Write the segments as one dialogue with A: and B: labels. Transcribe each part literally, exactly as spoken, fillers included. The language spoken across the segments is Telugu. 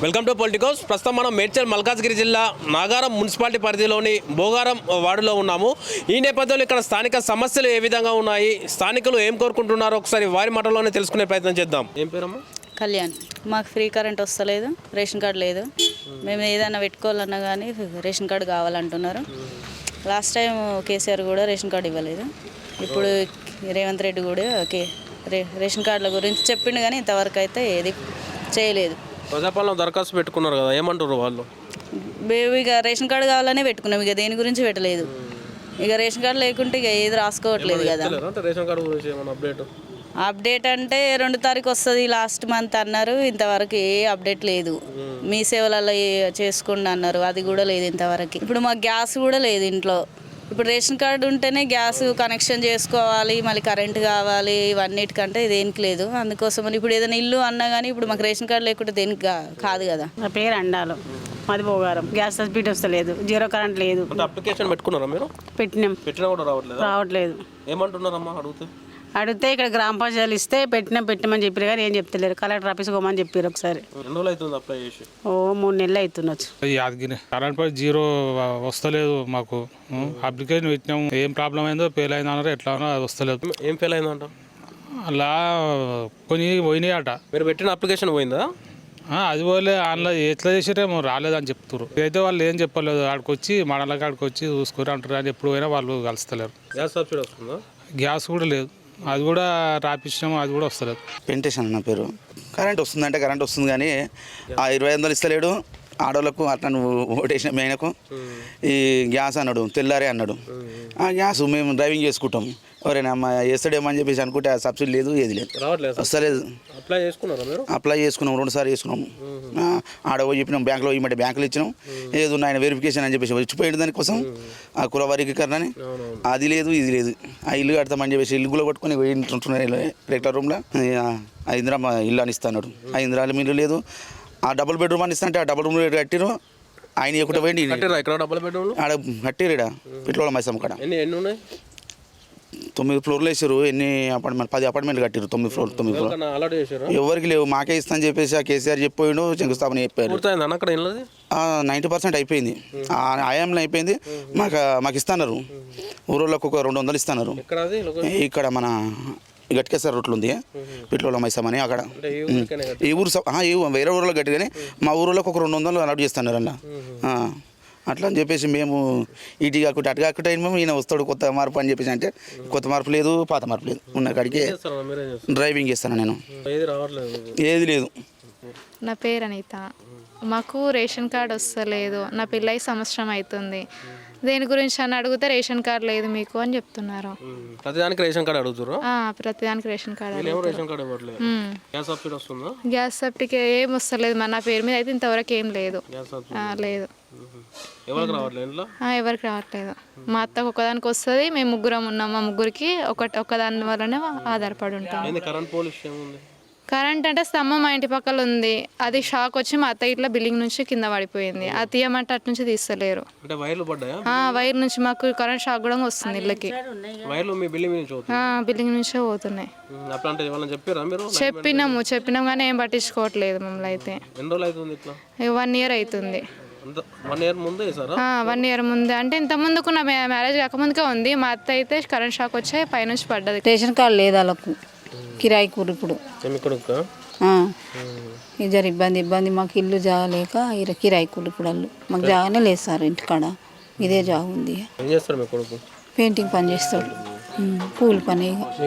A: Welcome to Politicos. ప్రస్తుతం మనం మేడ్చల్ మల్కాజ్గిరి జిల్లా నాగారం మున్సిపాలిటీ పరిధిలోని బోగారం వార్డులో ఉన్నాము. ఈ నేపథ్యంలో ఇక్కడ స్థానిక సమస్యలు ఏ విధంగా ఉన్నాయి, స్థానికులు ఏం కోరుకుంటున్నారో ఒకసారి వారి మాటల్లోనే తెలుసుకునే ప్రయత్నం చేద్దాం. ఏం పేరమ్మా?
B: కళ్యాణ్. మాకు ఫ్రీ కరెంట్ వస్తలేదు, రేషన్ కార్డు లేదు. మేము ఏదైనా పెట్టుకోవాలన్నా కానీ రేషన్ కార్డు కావాలంటున్నారు. లాస్ట్ టైం కేసీఆర్ కూడా రేషన్ కార్డు ఇవ్వలేదు. ఇప్పుడు రేవంత్ రెడ్డి కూడా కే రే రేషన్ కార్డుల గురించి చెప్పిండు కానీ ఇంతవరకు అయితే ఏది చేయలేదు.
A: ప్రజాపాలన దరఖాస్తు పెట్టుకున్నారు కదా, ఏమంటారు వాళ్ళు?
B: మేము ఇక రేషన్ కార్డు కావాలనే పెట్టుకున్నాం, ఇక దేని గురించి పెట్టలేదు. ఇక రేషన్ కార్డు లేకుంటే ఇక ఏది రాసుకోవట్లేదు కదా.
A: రేషన్ కార్డు గురించి ఏమైనా అప్డేట్
B: అప్డేట్ అంటే రెండు తారీఖు వస్తుంది లాస్ట్ మంత్ అన్నారు. ఇంతవరకు ఏ అప్డేట్ లేదు. మీ సేవలలో చేసుకోండి అన్నారు, అది కూడా లేదు ఇంతవరకు. ఇప్పుడు మాకు గ్యాస్ కూడా లేదు ఇంట్లో. ఇప్పుడు రేషన్ కార్డు ఉంటేనే గ్యాస్ కనెక్షన్ చేసుకోవాలి, మళ్ళీ కరెంట్ కావాలి, ఇవన్నిటికంటే దేనికి లేదు. అందుకోసం ఇప్పుడు ఏదైనా ఇల్లు అన్నా కానీ ఇప్పుడు మాకు రేషన్ కార్డు లేకుంటే దేనికి కాదు కదా.
C: నా పేరు అండాలు, మాది బోగారం. గ్యాస్ సబ్సిడీ వస్తలేదు, జీరో కరెంట్ లేదు.
A: అప్లికేషన్ పెట్టుకున్నారా మీరు?
C: పెట్టినాం,
A: పెట్టినా కూడా రావట్లేదు.
C: రావట్లేదు.
A: ఏమంటున్నారమ్మా అడిగితే?
C: అడిగితే ఇక్కడ గ్రామ పంచాయతీలు ఇస్తే పెట్టినా పెట్టమని చెప్పారు కానీ ఏం చెప్తలేరు. కలెక్టర్ ఆఫీస్ పోమని చెప్పారు ఒకసారి. ఓ మూడు నెలలు అవుతుండొచ్చు.
D: యాదగిరి కరెంట్ పై జీరో వస్తలేదు. మాకు అప్లికేషన్ పెట్టినాము, ఏం ప్రాబ్లం అయిందో ఫెయిల్ అయిందో అన్నారు. ఎట్లా అన్నా అది వస్తలేదు.
A: ఏం ఫెయిల్ అయిందంట?
D: అలా కొన్ని పోయినాయి అట.
A: మీరు పెట్టిన అప్లికేషన్ పోయిందా?
D: అది పోలే, అందులో ఎట్లా చేసారేమో రాలేదని చెప్తారు. అయితే వాళ్ళు ఏం చెప్పలేదు. ఆడికి వచ్చి మండల కాడికి వచ్చి చూసుకుని అంటారు అని ఎప్పుడు పోయినా వాళ్ళు కలుస్తలేరు.
A: గ్యాస్ సబ్సిడీ వస్తుందా?
D: గ్యాస్ కూడా లేదు, అది కూడా రాపిస్తాము, అది కూడా వస్తలేదు.
E: పెంటేషన్ నా పేరు. కరెంట్ వస్తుందంటే కరెంట్ వస్తుంది కానీ ఆ ఇరవై వందలు ఇస్తలేడు ఆడోళ్ళకు. అట్లా నువ్వు ఓటేసిన మేనకు ఈ గ్యాస్ అన్నాడు, తెల్లారే అన్నాడు. ఆ గ్యాస్ మేము డ్రైవింగ్ చేసుకుంటాం, ఎవరైనా అమ్మ వేస్తాడేమని చెప్పేసి అనుకుంటే ఆ సబ్సిడీ లేదు, ఏది లేదు, వస్తలేదు.
A: అప్లై చేసుకున్నారా మీరు?
E: అప్లై చేసుకున్నాం, రెండు సార్లు చేసుకున్నాము. ఆడ పోయి చెప్పినాం, బ్యాంకులో ఇవ్వమంటే బ్యాంకులో ఇచ్చినాం. ఏది ఉన్న ఆయన వెరిఫికేషన్ అని చెప్పేసి వచ్చిపోయాడు దానికోసం, ఆ కుల వర్గీకరణ అని. అది లేదు, ఇది లేదు. ఆ ఇల్లు కడతామని చెప్పేసి ఇల్లు కూడా పట్టుకొని ఉంటున్నాయి రెగ్యులర్ రూమ్లో. ఆ ఇందిరా ఇల్లు అని ఇస్తాడు, ఆ ఇందిరా ఇల్లు లేదు. ఆ డబుల్ బెడ్రూమ్ అని ఇస్తానంటే ఆ డబుల్ రూమ్ కట్టిరు. ఆయన ఎక్కువ పోయింది
A: ఇక్కడ డబుల్ బెడ్రూమ్
E: ఆడ కట్టిరుడా పిట్లోల మైసమ్మ కాడ.
A: ఎన్ని ఎన్ని ఉన్నాయి?
E: తొమ్మిది ఫ్లోర్లు వేసారు. ఎన్ని అపార్ట్మెంట్ పది అపార్ట్మెంట్లు కట్టారు. తొమ్మిది ఫ్లోర్ తొమ్మిది ఫ్లోర్ ఎవరికి లేవు, మాకే ఇస్తా అని చెప్పేసి ఆ కేసీఆర్ చెప్పిపోయిండు. శంకుస్థాపన చెప్పారు. నైంటీ పర్సెంట్ అయిపోయింది, ఆయాంలో అయిపోయింది. మాకు మాకు ఇస్తున్నారు. ఊరోళ్ళకు ఒక రెండు వందలు ఇస్తున్నారు. ఇక్కడ మన గట్కేశ్వర రోడ్లు ఉంది, పిట్లోల మైసమని అక్కడ. ఈ ఊరు ఈ వేరే ఊరిలో గట్టి కానీ మా ఊరిలోకి ఒక రెండు వందలు అలాట్ చేస్తున్నారు అన్న. అట్లా అని చెప్పేసి మేము ఇటు కాకుండా అటు కాకుండా మేము ఈయన వస్తాడు కొత్త మార్పు అని చెప్పేసి అంటే కొత్త మార్పు లేదు, పాత మార్పు లేదు. ఉన్న కాడికి డ్రైవింగ్ చేస్తాను నేను, ఏది లేదు.
F: నా పేరు అనిత. మాకు రేషన్ కార్డు వస్తలేదు. నా పెళ్ళై సంవత్సరం అవుతుంది. దేని గురించి అని అడిగితే రేషన్ కార్డు లేదు మీకు అని చెప్తున్నారు.
A: ప్రతిదానికి రేషన్ కార్డు అడుగుతారు.
F: ప్రతిదానికి రేషన్ కార్డు.
A: వస్తుందా?
F: గ్యాస్ సబ్సిడీ ఏం వస్తలేదు. మన నా పేరు మీద అయితే ఇంతవరకు ఏం లేదు. లేదు, ఎవరికి రావట్లేదు. మా అత్తకు ఒకదానికి వస్తుంది. మేము ముగ్గురం ఉన్నాం. మా ముగ్గురికి ఒక ఒకదాని వల్లనే ఆధారపడి ఉంటాం. కరెంట్ అంటే స్తంభం మా ఇంటి పక్కల ఉంది, అది షాక్ వచ్చి మా అత్త ఇట్లా బిల్డింగ్ నుంచి కింద పడిపోయింది. అది తీయమంటే అటు నుంచి తీస్తలేరు. వైర్ నుంచి మాకు కరెంట్ షాక్ కూడా వస్తుంది ఇళ్ళకి. బిల్డింగ్ నుంచే పోతున్నాయి. చెప్పినాము చెప్పినాం కానీ ఏం పట్టించుకోవట్లేదు మమ్మల్ని. అయితే వన్ ఇయర్ అవుతుంది. వన్ ఇయర్ ముందే అంటే ఇంత ముందుకు నా మ్యారేజ్ కాకముందుకే ఉంది. మా అత్త అయితే కరెంట్ షాక్ వచ్చే పైనుంచి పడ్డది.
C: రేషన్ కార్డు లేదు వాళ్ళకు, కిరాయి కూర. ఇప్పుడు ఇద్దరు ఇబ్బంది ఇబ్బంది మాకు ఇల్లు జాగలేక కిరాయి కూర. ఇప్పుడు వాళ్ళు మాకు జాగానే లేదు సార్, ఇంటికాడ ఇదే జాగ ఉంది. పెయింటింగ్ పని చేస్తాడు, కూలి పని.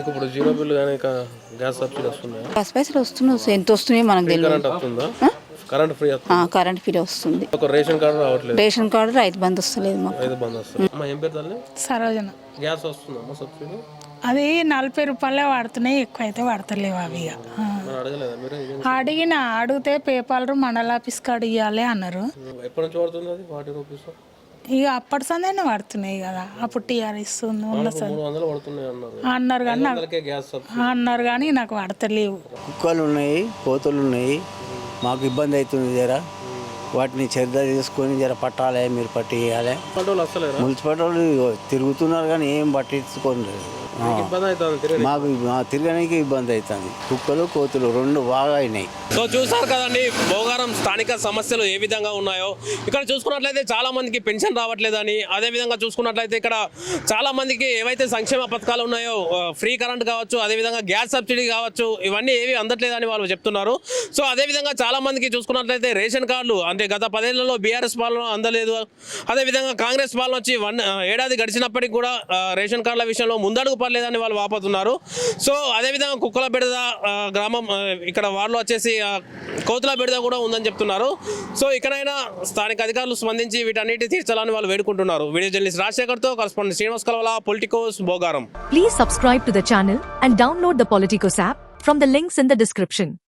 C: గ్యాస్ పైసలు వస్తున్నాయి, ఎంత వస్తున్నాయి మనకు తెలియదు.
A: కరెంట్ ఫ్రీ
C: కరెంట్ ఫ్రీ వస్తుంది.
A: రేషన్ కార్డు రావట్లేదు.
C: రేషన్ కార్డు రైతు బంధు వస్తలేదు మాకు.
G: సరోజన.
A: గ్యాస్ వస్తుందా సబ్సిడీ?
G: అది నలభై రూపాయలే వాడుతున్నాయి, ఎక్కువ అయితే వాడతలేవు అవి. అడిగిన అడిగితే పేపర్ మండల ఆఫీస్ కాడ ఇవ్వాలి అన్నారు. ఇక అప్పటి సందేనే పడుతున్నాయి కదా. అప్పుడు టీఆర్ఎస్ అన్నారు కానీ అన్నారు కానీ నాకు పడతలేవు.
H: కుక్కలు ఉన్నాయి, కోతులు ఉన్నాయి, మాకు ఇబ్బంది అవుతుంది జరా. వాటిని చర్య తీసుకొని జర పట్టాలి, మీరు పట్టి ఇవ్వాలి.
A: పంటలు వస్తలేరా
H: మున్సిపాలిటీ వాళ్ళు తిరుగుతున్నారు కానీ ఏం పట్టించుకోలేదు. ఆ.
A: ఇబ్బంది అవుతుంది తిరిగి.
H: మాకు మా తిరగడానికి ఇబ్బంది అవుతుంది. కుక్కలు కోతులు రెండు బాగా అయినాయి.
A: సో చూసారు కదండి భోగారం స్థానిక సమస్యలు ఏ విధంగా ఉన్నాయో. ఇక్కడ చూసుకున్నట్లయితే చాలా మందికి పెన్షన్ రావట్లేదని, అదే విధంగా చూసుకున్నట్లయితే ఇక్కడ చాలా మందికి ఏవైతే సంక్షేమ పథకాలు ఉన్నాయో ఫ్రీ కరెంట్ కావచ్చు, అదే విధంగా గ్యాస్ సబ్సిడీ కావచ్చు, ఇవన్నీ ఏవి అందట్లేదని వాళ్ళు చెప్తున్నారు. సో అదే విధంగా చాలా మందికి చూసుకున్నట్లయితే రేషన్ కార్డులు అంటే గత పదేళ్లలో బీఆర్ఎస్ పాలన అందలేదు, అదే విధంగా కాంగ్రెస్ పాలన వచ్చి వన్ ఏడాది గడిచినప్పటికీ కూడా ఆ, రేషన్ కార్డుల విషయంలో ముందడుగు పడలేదని వాళ్ళు వాపోతున్నారు. సో అదేవిధంగా కుక్కల బెడద ఆ, గ్రామం ఆ, ఇక్కడ వాళ్ళు వచ్చేసి ఆ, కోతుల బెడద కూడా ఉందని చెప్తున్నారు. సో ఇక్కడైనా స్థానిక అధికారులు స్పందించి వీటన్నిటి తీర్చాలని వాళ్ళు వేడుకుంటున్నారు. వీడియో జర్నలిస్ట్ రాజశేఖర్తో correspondent Srinivas Kalavala, Politicos, Bhogaram.
I: Please subscribe to the channel and download the Politicos app from the links in the description.